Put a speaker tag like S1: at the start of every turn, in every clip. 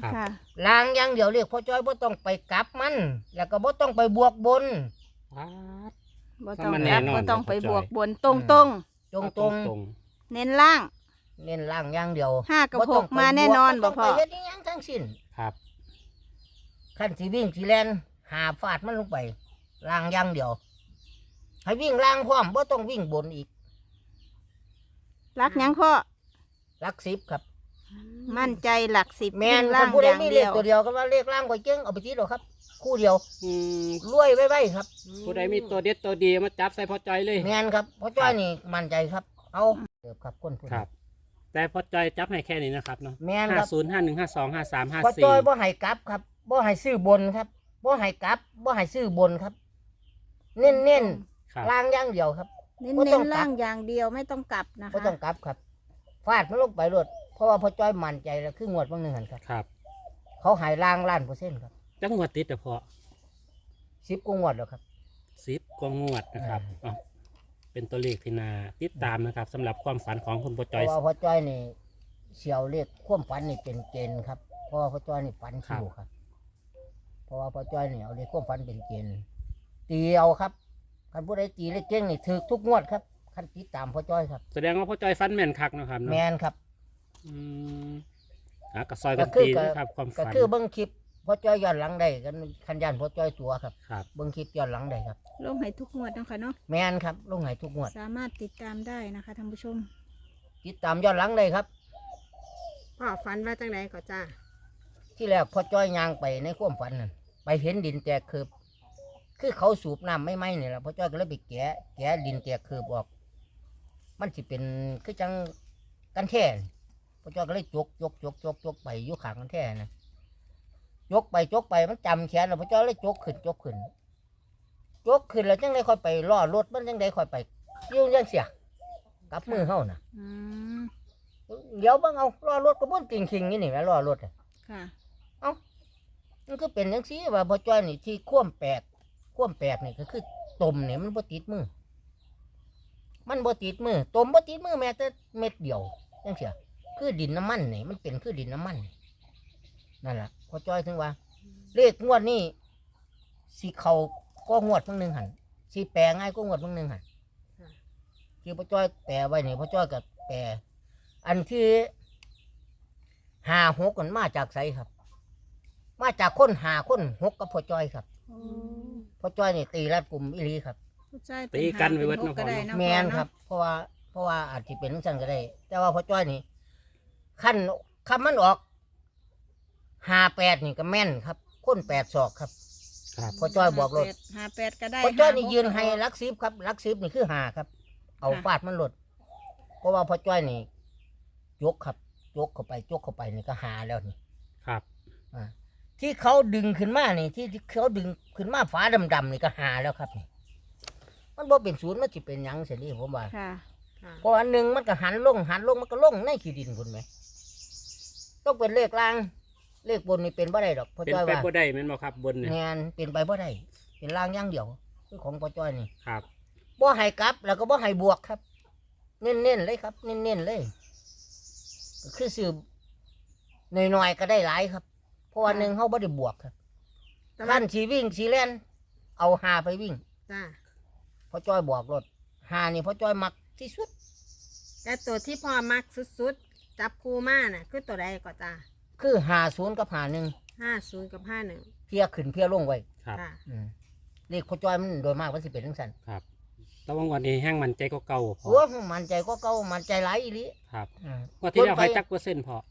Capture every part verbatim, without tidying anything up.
S1: ค่ะ
S2: ลางอย่างเดียวเรียกพ่อจ้อยบ่ต้องไปกลับมัน แล้วก็บ่ต้องไปบวกบน
S3: ว้าด
S1: บ่ต้อง
S3: มัน
S1: ก
S3: แน่
S1: ลับ
S3: นอน
S1: บ่ต้อง
S3: เดี๋ยว
S1: ไป
S3: เข้าใจ
S1: บวกบนตรง
S2: อืม
S1: ตรง
S2: ตรงต
S3: ต
S2: ร
S3: รง งตรง
S1: ๆเน้นล่าง
S2: เน้นล่างอย่างเดียว
S1: ห้ากับ
S2: บ่
S1: ห
S2: ต้อง
S1: ก
S2: ไป
S1: มาแน่นอน
S2: บว
S1: บ่
S2: ก
S1: พ่อ
S2: ต้องไปเฮ็ดอิหยังทั้งสิ้น
S3: ครับ
S2: คันสิวิ่งสิแล่นหาฟาดมันลงไปล่างอย่างเดียว ให้วิ่งล่างพร้อมบ่ต้องวิ่งบนอีก
S1: รักหยังพ่อ
S2: หลักสิบครับ
S1: มั่นใจหลักสิบ
S2: แม่น
S1: ล่า
S2: คัน
S1: ง
S2: ผู้
S1: อ
S2: ใด
S1: ย่าง
S2: มีเล
S1: เดี
S2: ข
S1: ยว
S2: ตัวเดียวก็ว่าเลขล่างก็เจ๊งเอาไปทีเดียวครับ คู่เดียว
S3: อืม
S2: รวยไว้ๆครับ
S3: ผู้ใดมีตัวเด็ดตัวดีมาจับใส่พ่อจอยเลย
S2: แม่นครับพ่อจ้อยนี่มั่นใจครับ เอาเกิบครับคนผู้
S3: ครับ แต่พ่อจอยจับให้แค่นี้นะครับเนาะ
S2: แม่นค
S3: ห้า
S2: รับ
S3: ศูนย์ห้าหนึ่งห้าสองห้าสามห้า
S2: พ่อ
S3: สี่
S2: จ้อยบ่ให้กลับครับบ่ให้ซื้อบนครับบ่ให้กลับบ่ให้ซื้อบนครับ เน้นเน้น
S3: ครับ
S2: ๆล่างอย่างเดียวครับ
S1: เน้น
S2: บ่
S1: เน้
S2: ต้อน งกลับ
S1: ล่างอย่างเดียวไม่ต้องกลับนะ
S2: บ่
S1: คะ
S2: ต้องกลับครับฟาดมันลงไปรวดเพราะว่าพ่อจ้อยมั่นใจแล้วคืองวดบางหนึงหั่นครับ
S3: ครับ
S2: เขาใหายล่างล้านเปอร์เซ็นต์ครับ
S3: จังหวัดติดแต่พอ
S2: สิบกว่างวดแล้วครับ
S3: สิบกว่างวดนะครับอ่ะเป็นตัวเลขที่นาติดตามนะครับสำหรับความฝันของคุณพ่อ
S2: เพ
S3: จอย
S2: ราะว่าพ่อจ้อยนี่เสียวเลขความฝันนี่เป็นเกณฑ์ครับเพราะว่าพ่อจ้อยนี่ฝันคิวครับ เพราะว่าพ่อจ้อยนี่เอาเลขความฝันเป็นเกณฑ์ตีเอาครับคันผู้ใดตีเลขเก่งนี่ถือทุกงวดครับคันติดตามพ่อจ้อยครับ
S3: แสดงว่าพ่อจอยฟันแม่นคักนะครับ
S2: แม
S3: เนาะ
S2: นครับ
S3: อืมอ่ะก็ซอยกัน
S2: ก็คือ
S3: ตี
S2: ก็
S3: นะครับความ
S2: ก็
S3: ฝัน
S2: คือเบิ้งคลิปพ่อจ้อยย้อนหลังได้กันคันยันพ่อจ้อยตัวครับ
S3: ครับ
S2: เบิ้งคลิปย้อนหลังได้ครับ
S1: ลงให้ทุกงวดนะคะเนาะ
S2: แมนครับลงใหายทุกงวด
S1: สามารถติดตามได้นะคะท่านผู้ชม
S2: ติดตามย้อนหลังได้ครับ
S4: พ่อฝันว่าจังไหนก็จ้า
S2: ที่แรกพ่อจ้อยยางไปในความฝันนั่นไปเห็นดินแตกคืบคือเขาสูบน้ำไม่ไหมนี่แหละพ่อจ้อยก็เลยไปแกะแกะดินแตกคืบออก มันสิเป็นคือจังกันแท่นพ่อจ้อยก็เลยจกจกจกจกจกไปอยู่ขางกันแท่นะจกไปจกไปมันจำแขนแล้วพ่อจ้อยเลยจกขึ้นจกขึ้นจกขึ้นแล้วจังได้ค่อยไปล่อรถมันจังได้ค่อยไปยุ่งยังเสียกลับมือเฮานะ
S1: อืม
S2: เดี๋ยวเบิ่งเอาล่อรถก็บ่นติงคิงนี่นี่แหละล่อรถอะ
S1: ค่ะ
S2: มันก็เป็นอย่างซี่ว่าพ่อจ้อยนี่ที่คว่ำแปลกคว่ำแปลกนี่ก็คือต้มเนี่ยมันบ่ติดมือ มันบ่ติดมือต้มบ่ติดมือแม้แต่เม็ดเดียวจังเสียคือดินน้ำมันนี่มันเป็นคือดินน้ำมันนี่นั่นแหละพ่อจ้อยถึงว่า เลขงวดนี้สิเขาก็งวดเพิ่งหนึ่งหันสิแปลง่ายก็งวดเพิ่งหนึ่งหันที่พ่อจ้อยแปลไว้นี่พ่อจ้อยกับแปลอันที่ห้าหกมันมาจากไสครับ มาจากคนหาคนหกกับพ่อจ้อยครับ
S1: โอ้
S2: พ่อจ้อยนี่ตีรัดกลุ่มอิลีครับ
S1: ผู้ชาย
S3: ตีกันไว้เบิด
S1: ห
S3: เนาะ
S1: ก็
S3: พ่อ
S1: ได้
S3: เนาะ
S1: เนาะ
S2: แมน
S1: พ่อเาะ
S2: ครับ เพราะว่าเพราะว่าอาจจะเป็นสั่นก็ได้ แต่ว่าพ่อจ้อยนี่ขั้นคำมันออกห้าแปดนี่ก็แม่นครับคนแปดศอกครับ
S3: ครับ
S2: พ่อจ้อยบอกรถ
S1: ห้าแปดก็ได้
S2: พ่อจ้อยนี่
S1: ห้าหก
S2: ยืนให้
S1: ก็ได้
S2: ลักซิบครับลักซิบนี่คือหาครับ เอา
S1: ค่ะ
S2: ฟาดมันหลดเพราะว่าพ่อจ้อยนี่ยกครับยกเข้าไปยกเข้าไปนี่ก็หาแล้วนี่
S3: ครับ
S2: อ่าที่เขาดึงขึ้นมานี่ที่ที่เขาดึงขึ้นมาฝาดำๆนี่ก็หาแล้วครับนี่มันบ่เป็นศูนย์มันจะเป็นหยังเสียนี่ผมว่า
S1: ค่ะ
S4: ค่ะ
S2: เพราะอันหนึ่งมันก็หันลงหันลงมันก็ลงในขี้ดินคุณไหมต้องเป็นเลขล่าง เลขบนนี่เป็นบ่ได้ดอกพ่อ
S3: เป็น
S2: จ้อย
S3: ไป
S2: ว่า
S3: บ่ได้แม่นบ่ครับบนเนี่ย
S2: งานเป็นไปบ่ได้เป็นล่างอย่างเดียวคือของพ่อจ้อยนี่
S3: ครับ
S2: บ่ให้กลับแล้วก็บ่ให้บวกครับ เน้นๆเลยครับ เน้นๆเลยก็คือซื้อหน่อยๆก็ได้หลายครับ เพราะว่าหนึ่งเขาบ่ได้บวกครับ
S4: แต่ว่า
S2: ขั้นสีวิ่งสีเล่นเอาหาไปวิ่ง
S4: จ้า
S2: พ่อจ้อยบอกรถหานี่พ่อจ้อยมักที่สุด
S4: แต่ตัวที่พ่อมักสุดๆ จับคู่มาน่ะ คือตัวใดก็จ้า
S2: คือหาศูนย์กับหาหนึ่ง
S4: ห้าศูนย์กับห้าหนึ่ง
S2: เพียขึ้นเพียลงไว้
S3: ครับ
S4: ค่ะ
S2: อืมเลขพ่อจ้อยมันโดยมากมันสิเป็นทั้งสัน
S3: ครับแตะวันวันนี้แห้งมันใจก็เก่าพอ
S2: โอ้มันใจก็เก่ามันใจหลายอีหลี
S3: ครับ
S2: อืม
S3: งวดที่แล้วให้จักเปอร์เซ็นต์พอง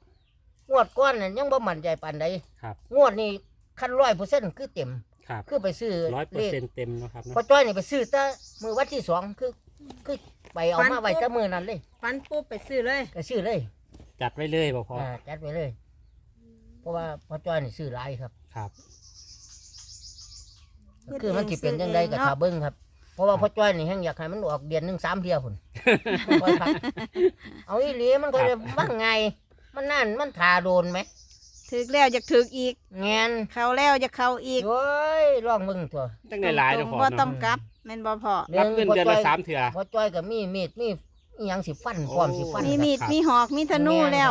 S2: วดก้อนนั่นยังบ่มั่นใจปานใด
S3: ครับ
S2: งวดนี้คันร้อยเปอร์เซ็นต์คือเต็ม
S3: ครับ
S2: คือไปซื้อ
S3: ร้อยเปอ
S2: เล
S3: ร์
S2: ข
S3: เซ็นต์เต็มเนาะครับเนาะ
S2: พ่อจ้อยนี่ไปซื้อแต่มือวันที่สองคือคือไปเอามาไว้แต่มือนั้นเลย
S4: ฟันปุ๊บไปซื้อเลย
S2: ก็ซื้อเลย
S3: จัดไว้เลยบ่พอ
S2: อ่าจัดไว้เลย เพราะว่าพ่อจ้อยนี่ซื้อหลายครับ
S3: ครับ
S2: ก็คือมันสิเป็นยังไงกับชาวเบิ้งครับ เพราะว่าพ่อจ้อยนี่แห้งอยากให้มันออกเดือนหนึ่งสามเที่ยวพุ่น พ่อครับเอาอีหลีมันก็จะว่างไง มันนั่นมันทาโดนไหม
S1: ถึกแล้วอยากถึกอีก
S2: แงน
S1: เข้าแล้วอยากเข้าอีก
S2: โอ้ยร้องมึงตัว
S3: ตั้งในหลาย
S1: ต
S3: เนาะ
S1: รง
S3: พอ
S1: ๆบ่ต้อ
S3: เนาะ
S1: งกลับแม่นบ่พอ
S3: รับเงินเดือนละสามเถื่อ
S2: พ่อจ้อยกับมีมีดมีอหยังสิฟันพร้อมสิฟัน
S1: มี
S2: ครับ
S1: มีดมีหอกมีธนูแล้ว
S2: บ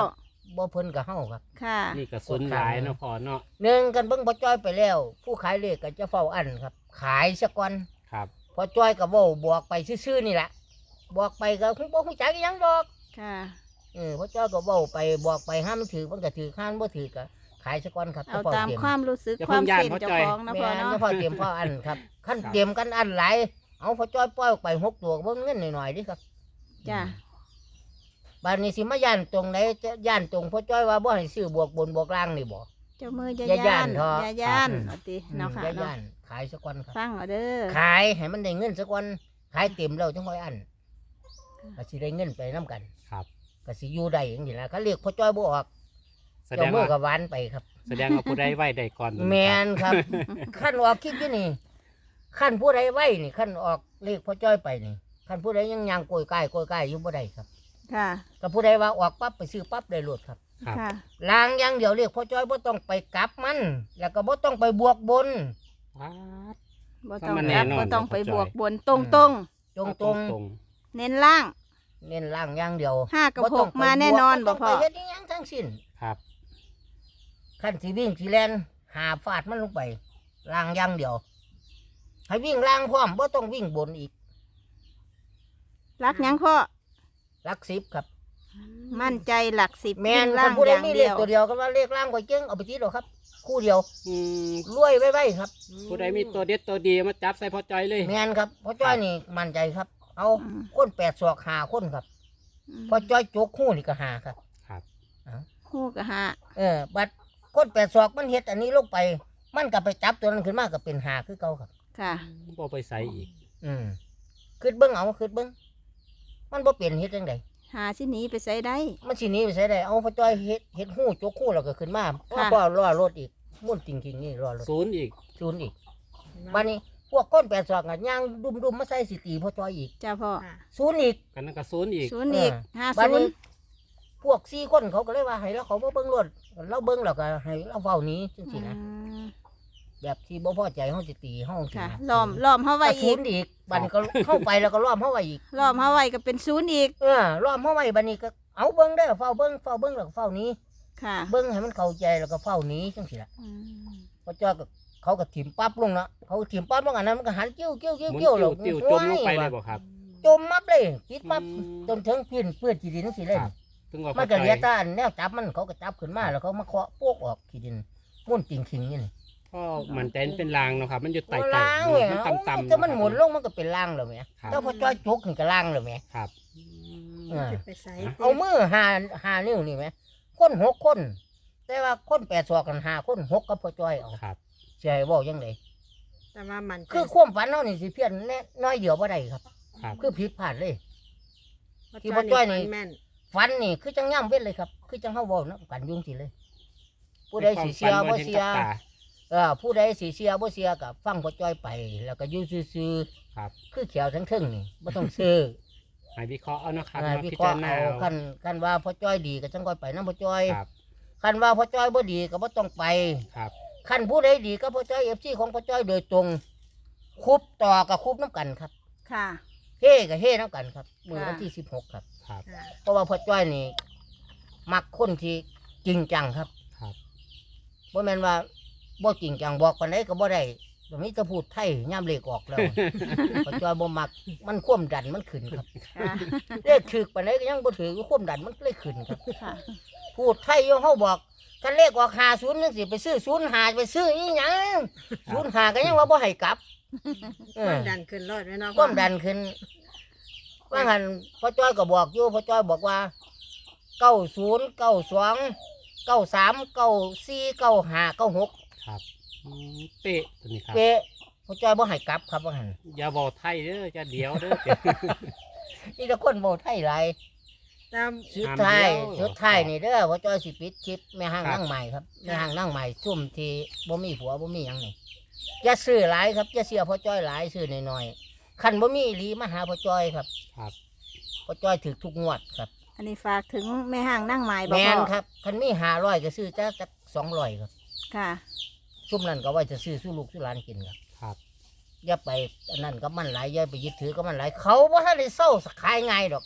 S2: บ่เพิ่นกับเฮาครับ
S1: ค่ะ
S3: นี่ก็สุนหลายเนาะพ่อเนาะ
S2: หนึ่งกันเบิ่งพอจ้อยไปแล้ว ผู้ขายเลขก็จะเฝ้าอันครับ ขายซะก่อน
S3: ครับ
S2: พอจ้อยก็เว้าบอกไปซื่อๆนี่แหละบอกไปก็คงบ่ฮู้จักอีหยังดอก
S1: ค่ะ
S2: เออพอจ้อยก็เว้าไปบอกไปห้ามมันถือมันก็ถือข้านบ่ถือก็ขายซะก่อนครับ
S1: เอา
S2: จะฝ้
S1: ตาม
S2: ตรีย
S1: ความรู้สึก
S3: อย่า
S1: ความ
S3: เพิ่งย้าน
S1: เส้น
S3: พ่อ
S1: เจ้า
S3: จ้อย
S1: ของนะพ่อ
S2: แม่น
S1: เนาะ
S2: จะพอเตรียมพออันครับขั้น
S3: ครับ
S2: เตรียมกันอันหลายเอาพอจ้อยปล่อยออกไปหกตัวก็เบิ่งเงินหน่อยๆดิครับ
S1: จ้ะ
S2: บานนี้สิมาย่านตรงไหนจะย่านตรงพอจ้อยว่าบ่ให้ซื้อบวกบนบวกล่างนี่บ่
S1: เจ้ามืออย่า
S2: อย่าย่า
S1: ย่าน น
S2: เถอะ
S1: อย่าย่าน
S2: ครับ
S1: เอาติ
S2: อืม
S1: เนาะค่ะ
S2: อย่า
S1: เนาะ
S2: ย่านขายซะก่อนครับ
S1: ฟังเอาเด้อ
S2: ขายให้มันได้เงินซะก่อนขายเต็มแล้วจังค่อยอันก็สิได้เงินไปนํกัน
S3: ครับ
S2: ก็สิอยู่ได้จังซี่ล่ะเขาเรียกพอจ้อยบ่ออก
S3: แสด
S2: เจ้าง มือ
S3: ว่า
S2: ก็หวานไปครับ
S3: แสดงว่าผู้ใดไหวได้ก่อน
S2: แมนครับ ขั้นออกคลิปอยู่นี่ขั้นผู้ใดไหวนี่ขั้นออกเลขพ่อจ้อยไปนี่ขั้นผู้ใดยังยังโกยใกล้โกยใกล้อยู่บ่ได้ครับ
S1: ค่ะ
S2: ก็ผู้ใดว่าออกปั๊บไปซื้อปั๊บได้รถครับ
S3: ครับ
S1: ค่ะ
S2: ลางอย่างเดียวเลขพ่อจ้อยบ่ต้องไปกลับมัน แล้วก็บ่ต้องไปบวกบน
S3: ว้าด
S1: บ่ต้อง
S3: มัน
S1: ก
S3: แน่
S1: ลับ
S3: นอน
S1: บ่ต้องไป
S3: เดี๋ยว
S1: บวก
S3: เข้าใจ
S1: บนตรงตรง
S2: ตรงต
S3: ต
S2: รง
S3: รง
S1: ๆเน้นล่าง
S2: ๆเน้นล่างอย่างเดียว
S1: ห้ากับ
S2: บ่
S1: ห
S2: ต้อง
S1: ก
S2: ไป
S1: มาแน่นอน
S2: บ
S1: บ่
S2: วก
S1: พ่อ
S2: บ่ต้องไปเฮ็ดอิหยังทั้งสิ้น
S3: ๆครับ
S2: ขั้นสิวิ่งสิแล่นหาฟาดมันลงไปล่างอย่างเดียว ให้วิ่งล่างพร้อมบ่ต้องวิ่งบนอีก
S1: รักหยังพ่อ
S2: หลักสิบครับ
S1: มั่นใจหลักสิบ
S2: แม่น
S1: วิ่ง
S2: คั
S1: ล่าน ง
S2: ผู้
S1: อ
S2: ใด
S1: ย่าง
S2: มีเล
S1: เดี
S2: ข
S1: ยว
S2: ตัวเดียวก็ว่าเลขล่างก็เจ๊งเอาไปทีเดียวครับ คู่เดียว
S3: อืม
S2: รวยไว้ไว้ครับ
S3: ผู้ใดมีตัวเด็ดตัวดีมาจับใส่พ่อจ้อยเลย
S2: แม่นครับพ่อจ้อยนี่มั่นใจครับ เอา
S1: อืม
S2: คนแปดศอกหาคนครับพ่อจ้อยโจกคู่นี่ก็หาครับ
S3: ครับ
S1: คู่กับห้า
S2: เออบัดคนแปดศอกมันเฮ็ดอันนี้ลงไป มันก็ไปจับตัวนั้นขึ้นมาก็เป็นหาคือเก่าครับ
S1: ค่ะ
S3: บ่ไปใส่อีก
S2: อืมคิดเบิ่งเอาคิดเบิ่งมันบ่เปลี่ยนเฮ็ดจังได
S1: หาสิหนีไปใส่ได้
S2: มันสิหนี้ไปใส่ได้เอาพ่อจ้อยเฮ็ดเฮ็ดหู้โจกคู่แล้วก็ขึ้นมาพ่อ
S1: ค่ะ
S2: พ่อรอรถอีกมุ่นจริงๆนี่รอรถ
S3: ศูนย์อีก
S2: ศูนย์อีกบัดนี้พวกคนแปดศอกอ่ะย่างดุมๆมาใส่สิตีพ่อจ้อยอีก
S1: จ้าพ่อ
S4: ค่ะ
S2: ศูนย์อีก
S3: กันนั่นก็ศูนย์อีก
S1: ศูนย์อีก
S2: เออ
S1: ห้า
S2: บัด
S1: ศูน
S2: นี้
S1: ย์
S2: พวกสี่คนเขาก็เลยว่าให้เราเขามาเบิ้งรถเราเบิ้งแล้วก็ให้เราเฝ้าหนี้จัง
S1: อื
S2: ซี่นะ
S1: ม
S2: แบบที่บ่พอใจเฮาสิตีเฮาจังซี่
S1: ค่ะ
S2: นะ
S1: ล้อมล้อมเฮาไว้
S2: ก็ศู
S1: อี
S2: น
S1: ก
S2: ย์อีกบัดนี้ก็เข้าไปแล้วก็ล้อมเฮาไว้อีก
S1: ล้อมเฮาไว้ก็เป็นศูนย์อีก
S2: เออล้อมเฮาไว้บัดนี้ก็เอาเบิ้งเด้อเฝ้าเบิ้งเฝ้าเบิ้งแล้วก็เฝ้าหนี้
S1: ค่ะ
S2: เบิ้งให้มันเข้าใจแล้วก็เฝ้าหนี้จังซี่ล่ะ
S1: อืม
S2: พอจ้อยก็เขาก็ถิ่มปั๊บลงเนาะเขาถิ่มปั๊บลงอันนั้นมันก็หันกิ้วกิ้วกิ้ว
S3: หมุน
S2: กิ้ว
S3: ติ้
S2: แล้ว ว
S3: ติ้วจมลงไปเลยบ่ครับ
S2: จมมับเลยปิดปั๊บ
S3: อืม
S2: จนถึงพื้นเปื้อนขี้ดินจังซี่เลย
S3: ครับ ถึงว่า
S2: มั
S3: พ่อน
S2: ก็
S3: จ้
S2: เหลีย
S3: อย
S2: ตาอันแนวจับมันเขาก็จับขึ้นมาแล้วเขามาเคาะพวกออกขี้ดินมุ่นติ่งขิงนี่นี่
S3: พ่อมันใจมันเป็นรางเนาะครับ มันอยู่ไต่
S2: มัน
S3: ไต่
S2: ล่างแหม
S3: มันต่ำต่ำ
S2: ถ้ามันหมุนลงมันก็เป็นล่างแล้วแหม
S3: ครับ
S2: แล้วพอจ้อยจุกนี่ก็ล่างแล้วแหม
S3: ครับ
S2: เออ
S4: สิไปใส่
S2: เอามือหาหานิ้วนี่แหมคนหกคน แต่ว่าคนแปดศอกกันหาคนหกกับพอจ้อยเอา
S3: ครับ
S2: สิให้เว้าจังได
S4: แต่ว่ามัน
S2: คือความฝันเฮานี่สิเพี้ยนแน่น้อยเดียวบ่ได้ครับ
S3: ครับ
S2: คือผิดพลาดเลย ที่
S4: ที่
S2: พ่
S4: พ่
S2: อ
S4: อ
S2: จ้
S4: จ้
S2: อ
S4: อย ย
S2: นี่
S4: แม่น
S2: ฝันนี่คือจังย่ำเว้นเลยครับ คือจังเฮาเว้าเนาะกันยุ่งสิเลย ผู้ใดสิเสียบ่เสีย
S3: ในความฝันบ่เห็นกับตา
S2: เออผู้ใดสิเสียบ่เสียก็ฟังพอจ้อยไป แล้วก็อยู่ซื่อ
S3: ครับ
S2: ๆคือเขียวทั้งเทึงนี่บ่ต้องซื้อ
S3: ให้วิเคราะห์เอาเนาะครับ
S2: อ่า
S3: มา
S2: วิ
S3: พิ
S2: เคราะ
S3: จาร
S2: ห์
S3: ณา
S2: เอา
S3: เอา
S2: คันคันว่าพ่อจ้อยดีก็จังค่อยไปนำพ่อจ้อย
S3: ครับ
S2: คันว่าพ่อจ้อยบ่ดีก็บ่ต้องไป
S3: ครับ
S2: คันผู้ใดดีก็พ่อจ้อย เอฟ ซี ของพ่อจ้อยโดยตรงคุบต่อกับคุบน้ำกันครับ
S1: ค่ะ
S2: เฮ้กับเฮ้น้ำกันครับมื้อวัน
S1: ค่ะ
S2: ที่สิบหกครับ
S3: ครับ
S4: ค่ะ
S2: เพราะว่าพ่อจ้อยนี่มักคนที่จริงจังครับ
S3: ครับ
S2: บ่แม่นว่าบ่จริงจังบอกปานใดก็บ่ได้ตรงนี้จะพูดไทยย่ำเลขออกแล้ว พ่อจ้อยบ่มักมันความดันมันขึ้นครับ
S1: ค่ะ
S2: เลขถึกปานใดก็ยังบ่ถือความดันมันเลยขึ้นครับ
S1: ค่ะ
S2: พูดไทยอยู่เฮาบอกกันเลขออกห้าศูนย์จังสิไปซื้อศูนย์ห้าไปซื้ออีหยังศูนย์ห้าก็ยังว่าบ่ให้กลับเอ
S4: ควา
S2: อ
S4: มดันขึ้นรถไว้เนาะ
S2: ความดันขึ้นว่างั้นพ่อจ้อยก็บอกอยู่พ่อจ้อยบอกว่าเก้าศูนย์เก้าสองเก้าสามเก้าสี่เก้าห้าเก้าหก
S3: ครับอืมเป๊ะตัวนี้ครับ
S2: เป๊ะพ่อจ้อยบ่ให้กลับครับว่างั้น
S3: อย่าบอกไทยเด้อจะเดียวเด้อ
S2: นี่แต่คนบ่ไทยหลาย
S4: ตาม
S2: สุดท้าย
S3: ห้ามเดียว
S2: สุดท้ายนี่เด้อพ่อจ้อยสิปิดคลิปแม่ห้าง
S3: ครับ
S2: นั่งใหม่ครับแม่ห้างนั่งใหม่ซุ่มที่บ่มีผัวบ่มีหยังนี่อย่าซื้อหลายครับอย่าเสียพ่อจ้อยหลายซื้อน้อยๆคันบ่มีอีหลีมาหาพ่อจ้อยครับ
S3: ครับ
S2: พ่อจ้อยถือทุกงวดครับ
S1: อันนี้ฝากถึงแม่ห้างนั่งไม้บ่
S2: แม
S1: พ่
S2: น
S1: อ
S2: ครับคันมีห้าร้อยก็ซื้อจักจักสองร้อยครับ
S1: ค่ะ
S2: ซุ่มนั้นก็ไว้จะซื้อสู้ลูกสู้หลานกินครับ
S3: ครับ
S2: อย่าไปอันนั้นก็มันหลายอย่าไปยึดถือก็มันหลายเขาบ่ทันได้เศร้าขายง่ายดอก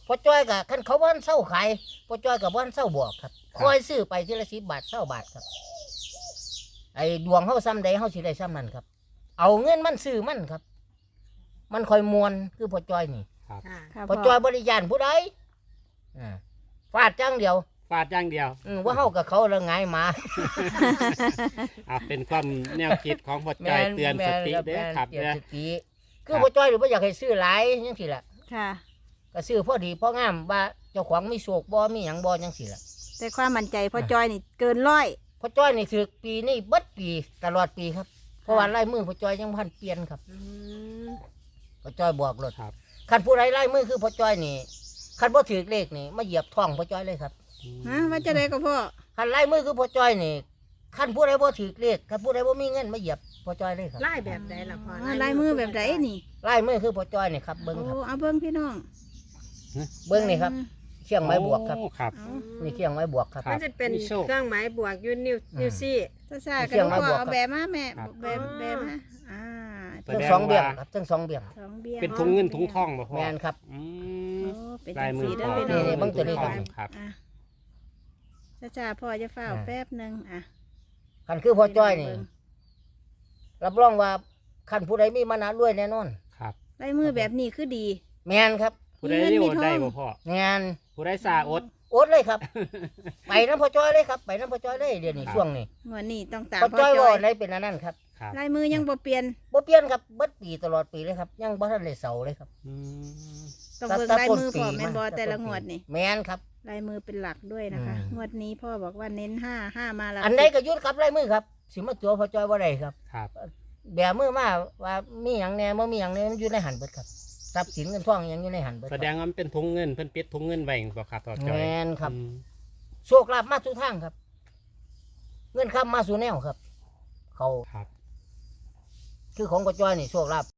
S2: พอจ้อยกับคันเขาบ้านเศร้าขายพอจ้อยกับบ้านเศร้าบวกครับคอยซื้อไปทีละสิบบาทเศร้าบาทครับไอ้ดวงเฮาซ้ำใดเฮาสิได้ซ้ำนั้นครับ เอาเงินมันซื้อมันครับ มันคอยมวนคือพอจ้อยนี่
S3: ครับ
S4: ค่ะ
S1: ค่ะ
S2: พอจ้อยบริยานผู้ใดอ่าฟาดจังเดียว
S3: ฟาดอย่างเดียว
S2: อืมว่าเฮากับเขาละไงายหมา
S3: อ่ะเป็นความแนวคิดของพ่อจอยเตือนสติเด้อครับ
S2: เตือน
S3: เด้อ
S2: สติคือพอจ้อยหรือว่าอยากให้ซื้อหลายจังซี่ล่ะ
S1: ค่ะ
S2: ก็ซื้อพอดีพองามว่าเจ้าของมีโศกบ่มีหยังบ่จังซี่ล่ะ
S1: แต่ความมั่นใจพ่อจอยนี่เกินร้อย
S2: พอจ้อยนี่ถือปีนี่เบิดปีตลอดปีครับเพราะว่าลายมือพอจ้อยยังพันเปลี่ยนครับ
S4: อืม
S2: พอจ้อยบอกรถ
S3: ครับ
S2: คันผู้ใดลายมือคือพอจ้อยนี่คันบ่ถือเลขนี่มาเหยียบท้องพอจ้อยเลยครับ
S1: ฮะว่าจะได้ก็พ่อ
S2: คันลายมือคือพอจ้อยนี่คันผู้ใดบ่ถือเลขคันผู้ใดบ่มีเงินมาเหยียบพอจ้อยเลยครับ
S4: ไล่แบบใดล่ะพ่อ
S1: อ่าลายมือแบบไหนนี่
S2: ลายมือคือพอจ้อยนี่ครับเบิ่งครับ
S1: โอ้เอาเบิ้งพี่น้อง
S2: เบิ่งนี่ครับเชียงไม้บวกครับ
S3: โอ้ครับ
S1: เอา
S2: นี่เชียงไม้บวกครับ
S3: ครั
S4: มั
S3: บ
S4: นจะเป็น
S3: มีโชค
S4: เครื่องหมายบวกอยูนิวนิวซี่
S1: ซ่าซ่าๆ
S2: เสี
S1: กัน
S2: ยง
S1: พ่
S2: มา
S1: อบ
S2: วก
S1: เอา
S2: ครับ
S1: แบบมาแม่
S3: ครับ
S1: แบบแบบมาอ่า
S3: แส
S2: ทั้ง
S3: ด
S2: สองเบี่ยง
S3: ว่า
S2: ครับทั้งสองเบี่ยง
S1: สองเบี้ย
S3: เป็นทุงเงินทุงทองบ่พ่อ
S2: แม่นครับ
S3: อื
S1: โอ้
S3: ม
S1: เป็น
S3: ลาย
S1: จัง
S3: มื
S1: สี
S3: อ
S1: ได้
S3: พ่อ
S1: พี่น้อง
S2: นี่ๆเบิ่งตัวนี้ครับ
S3: ครับ
S1: อ่ะซ่าซ่าๆพ่อจะเฝ้า
S2: อ่า
S1: แป๊บหนึงอ่ะ
S2: คันคือพอจ้อยนี่รับรองว่าคันผู้ใดมีมานะรวยแน่นอน
S3: ครับ
S1: ลายมือแบบนี้คือดี
S2: แม่นครับ
S3: ผู้ใดที่อดได้บ่พ่อ
S2: แม่น
S3: ผู้ใดสาอด
S2: อดเลยครับ ไปน้ำพอจ้อยเลยครับไปน้ำพอจ้อยเลยเดี๋ยวนี้
S3: ครับ
S2: ช่วงนี้
S1: งวดนี้ต้องตาม
S2: พอ
S1: พ่อ
S2: จ้อย
S1: จ
S2: ว่า
S1: อย
S2: อะไรเป็นอันนั้นครับ
S3: ครับ
S1: ลายมือยังบ่เปลี่ยน
S2: บ่เปลี่ยนครับเบิดปีตลอดปีเลยครับ ยังบ่ทันได้เสาเลยครับ
S3: อืม
S1: ต้องเบิ่งลายมือพ่อแม่นบ่แต่ละงวดนี่
S2: แม่นครับ
S1: ลายมือเป็นหลักด้วยนะคะ
S2: อืม
S1: งวดนี้พ่อบอกว่าเน้นห้าห้ามาหลัก
S2: อันใด
S1: สิบ
S2: ก็ยุดครับลายมือครับสิมาตัวพอจ้อยบ่ได้ครับ
S3: ครับ
S2: แบมือมาว่ามีหยังแหน่บ่มีหยังแหน่มันอยู่ในหันเบิดครับทรัพย์สินเงินทองหยังอยู่ในหันเบิดค
S3: แส
S2: รับ
S3: ดงว่ามันเป็นทุงเงินเพิ่นปิดทุงเงินไว้บ่ครับพ่อจอย
S2: แม่นครับ
S3: อืม
S2: โชคลาภมาสู่ทางครับ เงินคำมาสู่แนวครับ เขา
S3: ครับ
S2: คือของพอจ้อยนี่โชคลาภ